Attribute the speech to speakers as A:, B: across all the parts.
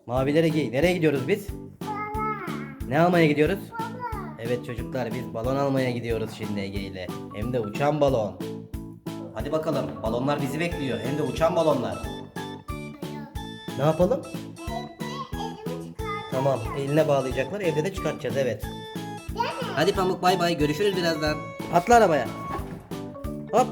A: Mavileri giy. Nereye gidiyoruz biz?
B: Baba.
A: Ne almaya gidiyoruz?
B: Baba.
A: Evet çocuklar, biz balon almaya gidiyoruz şimdi Ege ile. Hem de uçan balon. Hadi bakalım, balonlar bizi bekliyor. Hem de uçan balonlar. Ne yapalım?
B: Elimi çıkar.
A: Tamam, eline bağlayacaklar, evde de çıkartacağız, evet.
B: Değil mi?
A: Hadi Pamuk, bay bay, görüşürüz birazdan. Atla arabaya. Hop.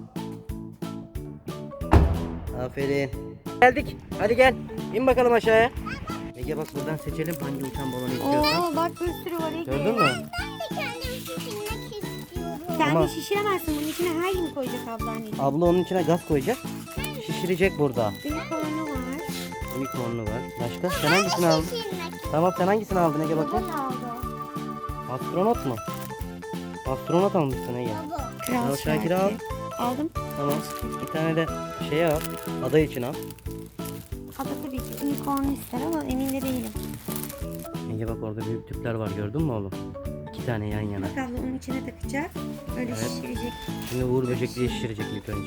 A: Aferin. Geldik, hadi gel. İn bakalım aşağıya. Ege bak, buradan seçelim hangi uçan balonu istiyorsan.
C: Oo bak bir sürü var Ege.
A: Gördün mü?
B: Ben de kendim şişirmek istiyorum.
C: Sen
A: Tamam.
C: de şişiremezsin. Bunun içine her gün koyacak abla anneciğim.
A: Abla onun içine gaz koyacak. Şişirecek burada.
C: Unicorn'u var.
A: Unicorn'lu var. Başka? Sen hangisini aldın?
B: Şişirmek.
A: Tamam, sen hangisini aldın Ege bakayım?
C: Baba aldı.
A: Astronot mu? Astronot almışsın Ege.
B: Baba.
C: Kral
A: Al Şakir'i al.
C: Aldım.
A: Tamam. Bir tane de şey al. Ada için al.
C: Ada tabii ki unicorn ister ama emin de değilim.
A: Ege bak, orada büyük tüpler var, gördün mü oğlum? 2 tane yan yana.
C: Bak abla onun içine takacak. Öyle
A: Evet.
C: şişirecek.
A: Şimdi Uğur böcekliği şişirecek ilk önce.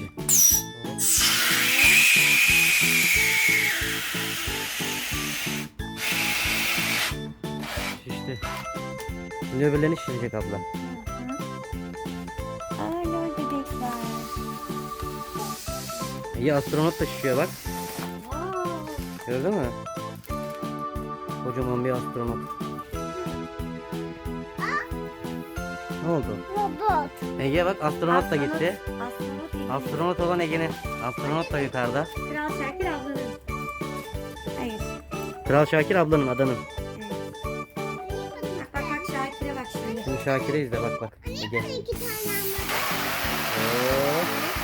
A: Şişti. Şimdi öbürlerini şişirecek abla.
C: Aa lol bebekler.
A: Ege astronot da şişiyor bak.
C: Wow.
A: Gördün mü? Kocaman bir astronot. Ne oldu?
B: Robot.
A: Ege bak, astronot da gitti.
C: Astronot Ege.
A: Astronot olan Ege'nin. Astronot da yukarıda.
C: Kral Şakir ablanın. Hayır.
A: Kral Şakir ablanın, adanın.
C: Evet. Bak Şakir'e bak şimdi.
A: Şimdi Şakir'e izle, bak bak. Ege.
B: 2 tane anladım.
A: Oo.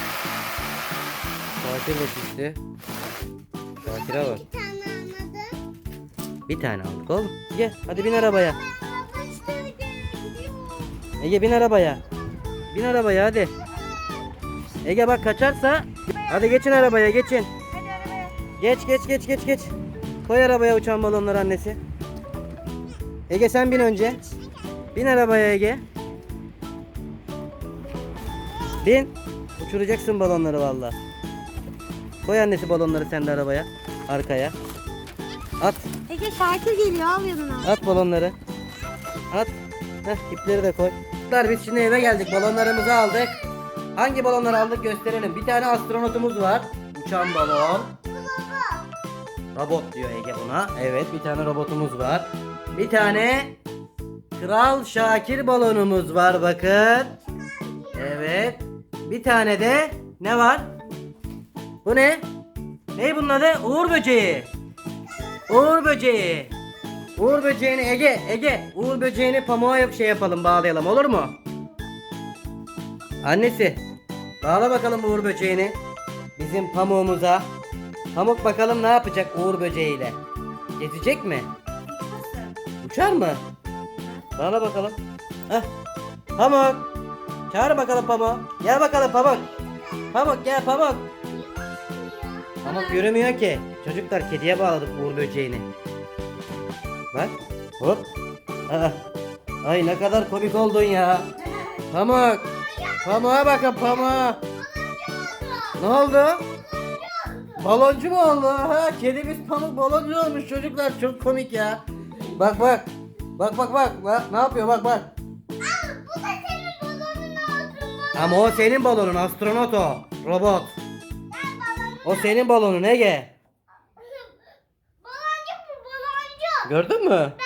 A: Şakir de şişti. Şakir'e bak.
B: 2 tane anladım.
A: Bir tane aldık oğlum. Gel hadi bin arabaya.
B: Baba işte gidiyor.
A: Ege bin arabaya. Bin arabaya hadi. Ege bak, kaçarsa. Hadi geçin arabaya, geçin. Geç. Koy arabaya uçan balonları annesi. Ege sen bin önce. Bin arabaya Ege. Bin. Uçuracaksın balonları valla. Koy annesi balonları sen de arabaya. Arkaya. At.
C: Ege Şakir geliyor al yanına.
A: At balonları. At. Heh, ipleri de koy. Biz şimdi eve geldik. Balonlarımızı aldık. Hangi balonları aldık gösterelim. Bir tane astronotumuz var. Uçan balon. Robot diyor Ege buna. Evet, bir tane robotumuz var. Bir tane Kral Şakir balonumuz var bakın. Evet. Bir tane de ne var? Bu ne? Ne bunun adı? Uğur böceği. Uğur böceği. Uğur böceğini Ege. Uğur böceğini pamuğa şey yapalım, bağlayalım, olur mu? Annesi, bağla bakalım Uğur böceğini bizim pamuğumuza. Pamuk bakalım ne yapacak Uğur böceğiyle? Gezecek mi? Uçar mı? Bağla bakalım. Heh. Pamuk. Çağır bakalım Pamuk. Gel bakalım Pamuk. Pamuk gel Pamuk. Pamuk yürümüyor ki. Çocuklar, kediye bağladık Uğur böceğini. Bak. Hop. Aa. Ay ne kadar komik oldun ya. Pamuk. Pamuk'a bakın Pamuk. Ne oldu? Baloncu mu oldu? Ha, kedimiz Pamuk baloncu olmuş çocuklar. Çok komik ya. Bak. Bak, ne yapıyor bak.
B: Bu da senin balonun altında.
A: Ama o senin balonun, astronot o. Robot. O senin balonun Ege.
B: Baloncuk mu baloncuk?
A: Gördün mü?